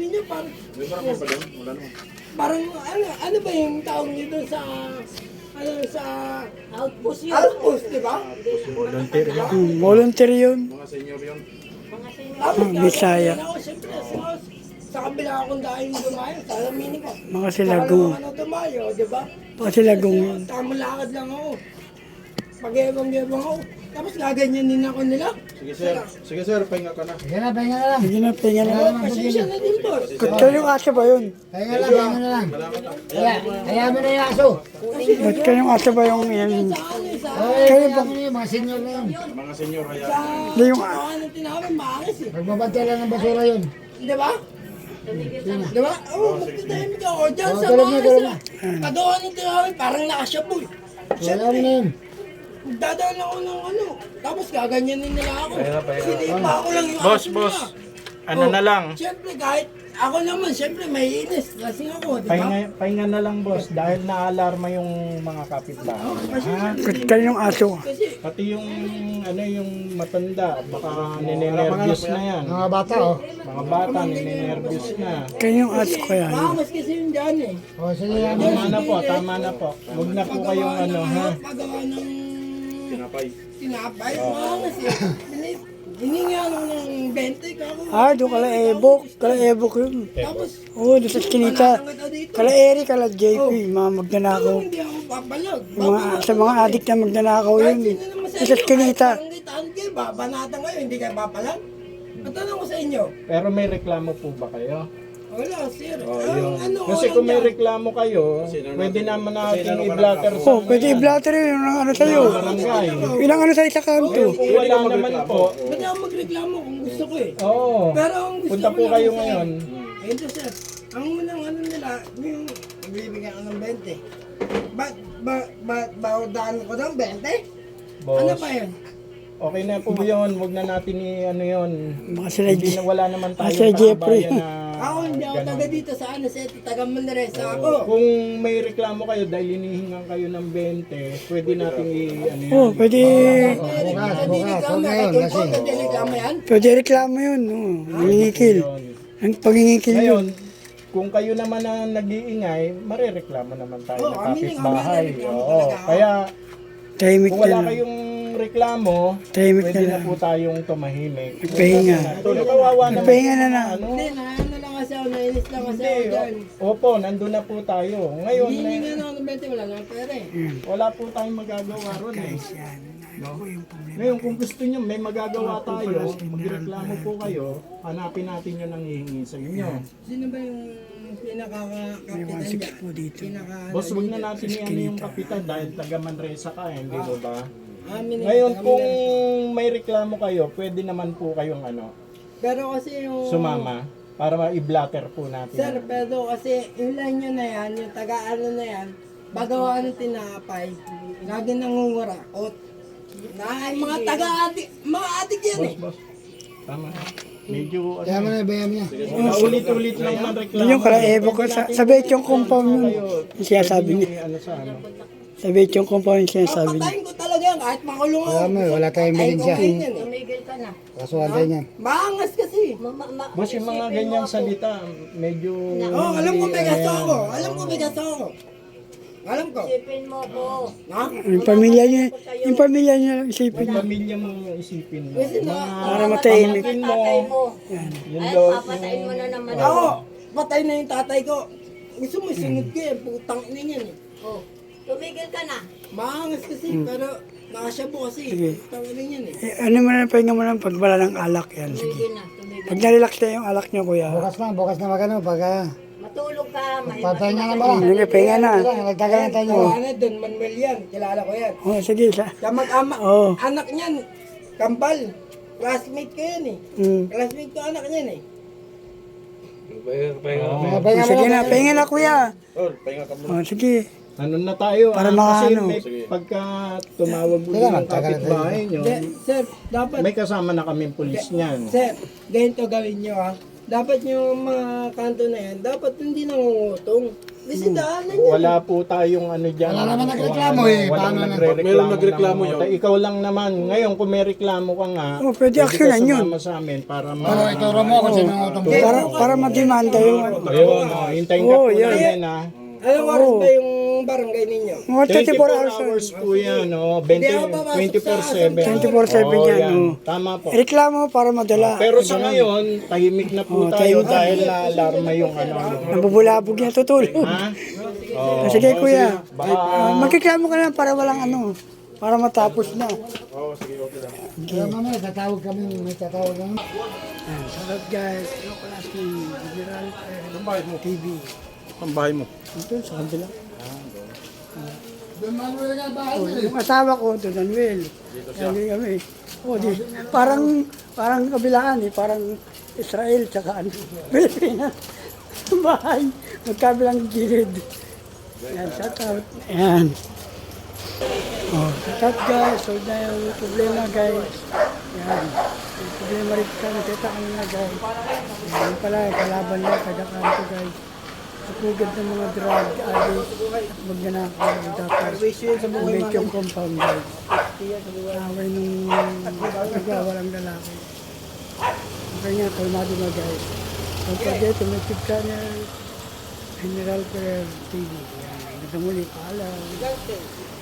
sarili niyo, parang, May barangay pa doon? Wala naman. parang, ano ba yung tawag niyo doon sa, sa Outpost yun. outpost, di ba? Volunteer yun. Volunteer yun. Mga senior yun. Mga senior. Tapos, Bisaya. ako, siyempre, sa kabila akong dahil dumayo, sa alaminin ko. Mga silagong. Ano dumayo, di ba? Mga silagong yun. Tamang lakad lang ako. Pag-ebang-ebang ako. Tapos gaganyanin ako nila. Sige sir. Sige sir, pahinga ka na. Sige na, pahinga na lang. Sige na, pahinga na. Oh, pasensya na din, boss. Kaya yung aso ba yun? Pahinga lang, pahinga na lang. Kaya mo na yung aso. Ba't kayong aso ba yung yan? Sa ano, sa Kayo Kaya ba? mo na yung mga senior na yun. Mga senior kaya. Hindi yung ano tinawag, maangis eh. Magbabantay lang ng basura yun. Di ba? Di ba? Oo, magtitahimik ako dyan sa tulog na, maangis tulog na. Kagawa ng tinawag, parang nakasyaboy. Wala mo na yun. Dadaan ako ng ano. Tapos gaganyanin nila ako. Sinipa ako lang yung Boss, aso boss. nila. Ano na lang? Siyempre, kahit ako naman, siyempre, may inis. Lasing ako, di ba? Pahinga na lang boss dahil naalarma yung mga kapitbahay. Ha? kayo yung aso. Kasi, Pati yung ano yung matanda baka ninenervyos na yan. Mga bata, oh. Mga bata ninenervyos na. Kayo yung aso kaya. maangas kasi yung dyan eh. O, sige yan. Tama na po, tama na po. Huwag na po kayong ano ha. Pagawa ng Tinapay. tinapay, maangas eh. Hininga ako ng 20 ka ako. Ah, doon kala Ebok. Kala Ebok yun. Tapos, Oo, doon sa Kinita. panatang kita dito. Kala Eri, kala JP. Mga magnanakaw. Hindi ako papalag. Sa mga adik na magnanakaw yun. Doon sa Kinita. Banatan kayo, hindi kayo papalag. Matanong ko sa inyo. Pero may reklamo po ba kayo? Wala, sir. Oh, Ang yun. ano, Kasi walang kung may dyan. reklamo kayo, pwede naman natin i-blatter sa Oh, pwede i-blatter yun. Yung ano sa'yo. barangay. Ilang ano sa isa kanto. Kung wala naman po, Ba't ako magreklamo kung gusto ko eh? oo. Pero ang gusto Punta ko po lang, kayo sir, ngayon. Ito sir, ang unang ano nila, yung magbibigyan ko ng 20. Daan ko ng 20? Ano Boss, ba yun? okay na po yun. Huwag na natin i-ano yun. Mga sila Hindi na wala naman tayo Sir Jeffrey. na Ako hindi ako ganun. taga dito sa ano, sa taga Manresa ako. Kung may reklamo kayo dahil hinihingan kayo ng 20, pwede natin i-ano yun. Oh, pwede. bukas, huwag ngayon, kasi. Pwede reklamo yan? Pwede reklamo yun. Oh, pangingikil. Yun. Ang pangingikil yun. Ngayon, kung kayo naman na nag-iingay, marereklamo naman tayo Oo, ng kami din, kapitbahay. marereklamo Oo. talaga ako. Kaya Tahimik kung na wala lang. kayong reklamo, Tahimik pwede na na lang. po tayong tumahimik. Pahinga. Tulog kawawa naman. Pahinga na lang. Ano? Hindi, ano lang kasi ako, nainis lang kasi Hindi, ako dyan. opo, nandun na po tayo. Ngayon, Hindi nga na ako ng 20, wala nga pera eh. wala po tayong magagawa ron eh. Ngayon, kung gusto nyo, may magagawa tayo, magreklamo po kayo, hanapin natin yung nanghihingi sa inyo. Sino ba yung pinaka-kapitan dyan? po dito. Boss, wag na natin i-ano yung kapitan dahil taga Manresa ka eh, hindi mo ba? Amin eh, Ngayon, taga kung Manila. may reklamo kayo, pwede naman po kayong ano, Pero kasi yung... sumama para ma-i-blatter po natin. Sir, pero kasi yung line nyo na yan, yung taga-ano na yan, bagawa ng tinapay, lagi nangungurakot. Na mga taga-adik, mga adik yan eh. Boss, tama. Medyo, Kaya mo na, bayan niya. ulit-ulit lang man reklamo. Yun yung kala Ebok. Sa yung compound yun. Yung sinasabi niya. Ano sa ano? Sa yung compound yung sinasabi niya. Patayin ko talaga yan, kahit makulong ako. Kaya mo, wala tayong Patayin ko ebidensya. ngayon yan eh. Tumigil ka na. Kasuhan tayo niyan. Maangas kasi. Boss, yung mga ganyang salita, medyo... Oh, alam ko may gasto ako. Alam ko may gasto ako. Alam ko. Isipin mo ko. Ha? Yung pamilya niya lang isipin niya. Pamilya mo yung isipin mo. Kasi na, Para matahimik. Pamangkin mo, Tatay mo. yun Ay, daw, papatayin mo na naman ako, patay na yung tatay ko. Gusto mo sunod ko eh, putang ina yan eh. Oh, tumigil ka na. Maangas kasi, pero nakasyabo kasi. Sige. Putang ina yan eh. Ano mo na, pahinga mo lang pag wala ng alak yan. Sige. Tumigil na, tumigil. Pag na-relax na yung alak niyo, kuya. Bukas na magano, pagka Matulog ka. papahinga na mo lang. Sige, pahinga na. Nagtagalan tayo niyo. Ano, Don Manuel yan. Kilala ko yan. Oh, sige. Siya mag-ama. Oo. Anak niyan, Kambal. Classmate ko yan eh. Mm. Classmate ko anak niyan eh. Pahinga Pahinga mo Sige lang. na, pahinga na, kuya. Tol, pahinga ka muna. Oh, sige. ano na tayo, Para kasi makaano. may pagka tumawag mo Kailangan ng tagal kapitbahay nyo, Sir, dapat, may kasama na kaming pulis niyan. sir, ganito gawin nyo ha. dapat yung mga kanto na yan, dapat hindi nangungutong. Kasi daanan yan. Wala po tayong ano dyan. Wala naman nagreklamo eh. Walang Paano na- nagre-reklamo. Pag mayroong nagreklamo ng yun. multa. Ikaw lang naman. Ngayon, kung may reklamo ka nga, Pwede aksyonan yun. sumama sa amin para Pero ituro mo kung sino ang utong Para madimanda yung ano. Ayun, hintayin ka Oo, po yan. namin ha. Anong oras ba yung barangay ninyo? Mga 24 hours. hours po yan, no? Hindi ako papasok sa 24/7. 24/7 yan, oh. Tama po. Reklamo para madala. Pero sa ngayon, tahimik na po tayo dahil na-alarma yung ano. Nabubulabog niya tutulog. Ha? Oh, Sige kuya, Baka, magkiklamo ka na para walang ano, para matapos na. Kaya mamaya tatawag kami, may tatawag kami. Salut guys, ano class ni General TV. ang bahay mo. Ito sa kabila. Doon Manuel nga bahay Oh, nila eh. yung asawa ko, Don Manuel. Hindi kami. Oh, di, parang kabilaan eh, parang Israel tsaka ano, Pilipinas. Bahay, magkabilang gilid. Yan, shout out. Yan. Oh, shout out guys. Solve na yung problema guys. Yan. Yung problema rin kami, kita kami na guys. Yan pala, kalaban na, taga-kanto guys. Sapugad ng mga drug addict at magnanakaw ng dapat. Make yung compound guys. Away nung nagwawalang lalaki. Okay nga, kalmado na guys. Don't forget to make YouTube channel General Career TV. Yan. Hanggang muli, paalam.